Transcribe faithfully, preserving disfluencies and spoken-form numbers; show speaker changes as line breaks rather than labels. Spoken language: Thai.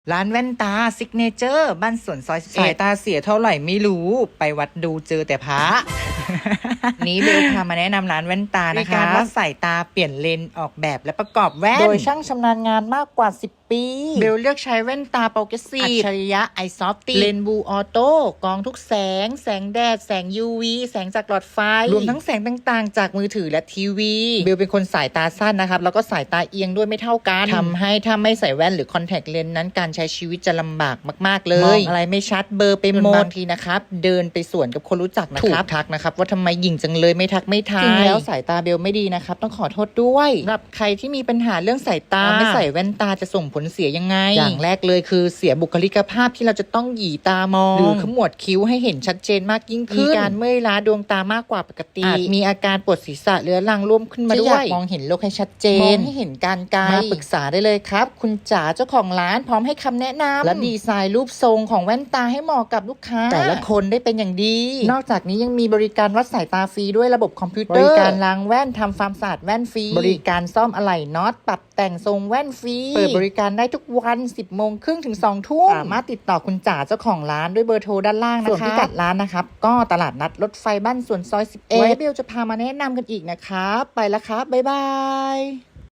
ร้านแว่นตาซิกเนเจอร์บ้านสวนซอยสิบเอ็ดสายตาเสียเท่าไหร่ไม่รู้ไปวัดดูเจอแต่พระ นี้เบลพามาแนะนำร้านแว่นตานะคะการวัดสายตาเปลี่ยนเลนส์ออกแบบและประกอบแว่นโดยช่างชำนาญงานมากกว่าสิบปีเบลเลือกใช้แว่นตาโปรเกรสซีฟอัจฉริยะไอซอฟตี้เลนส์บูออโต้กรองทุกแสงแสงแดดแสง ยู วี แสงจากหลอดไฟรวมทั้งแสงต่างๆจากมือถือและทีวีเบลเป็นคนสายตาสั้นนะครับแล้วก็สายตาเอียงด้วยไม่เท่ากันทำให้ถ้าไม่ใส่แว่นหรือคอนแทคเลนส์นั้นการใช้ชีวิตจะลำบากมากๆเลยมองอะไรไม่ชัดเบอร์ไปหมดบางทีนะครับเดินไปสวนกับคนรู้จักนะครับทักนะครับว่าทำไมหยิ่งจังเลยไม่ทักไม่ทายจริงแล้วสายตาเบลไม่ดีนะครับต้องขอโทษด้วยสำหรับใครที่มีปัญหาเรื่องสายตาไม่ใส่แว่นตาจะส่งผลเสียยังไงอย่างแรกเลยคือเสียบุคลิกภาพที่เราจะต้องหยีตามองหรือขมวดคิ้วให้เห็นชัดเจนมากยิ่งขึ้นมีการเมื่อยล้าดวงตามากกว่าปกติอาจมีอาการปวดศีรษะเรื้อรังร่วมขึ้นมาด้วยมองเห็นโลกให้ชัดเจนมองให้เห็นการไกลมาปรึกษาได้เลยครับคุณจ๋าเจ้าของร้านพร้อมให้คำแนะนำและดีไซน์รูปทรงของแว่นตาให้เหมาะกับลูกค้าแต่ละคนได้เป็นอย่างดีนอกจากนี้ยังมีบริการวัดสายตาฟรีด้วยระบบคอมพิวเตอร์บริการล้างแว่นทำความสะอาดแว่นฟรีบริการซ่อมอะไหล่น็อตปรับแต่งทรงแว่นฟรีเปิดบริการได้ทุกวัน สิบโมงครึ่งถึงสองทุ่มสามารถติดต่อคุณจ๋าเจ้าของร้านด้วยเบอร์โทรด้านล่างนะคะส่วนพิกัดร้านนะครับก็ตลาดนัดรถไฟบ้านสวนซอยสิบเอ็ดไว้เบลจะพามาแนะนำกันอีกนะคะไปแล้วครับบ๊ายบาย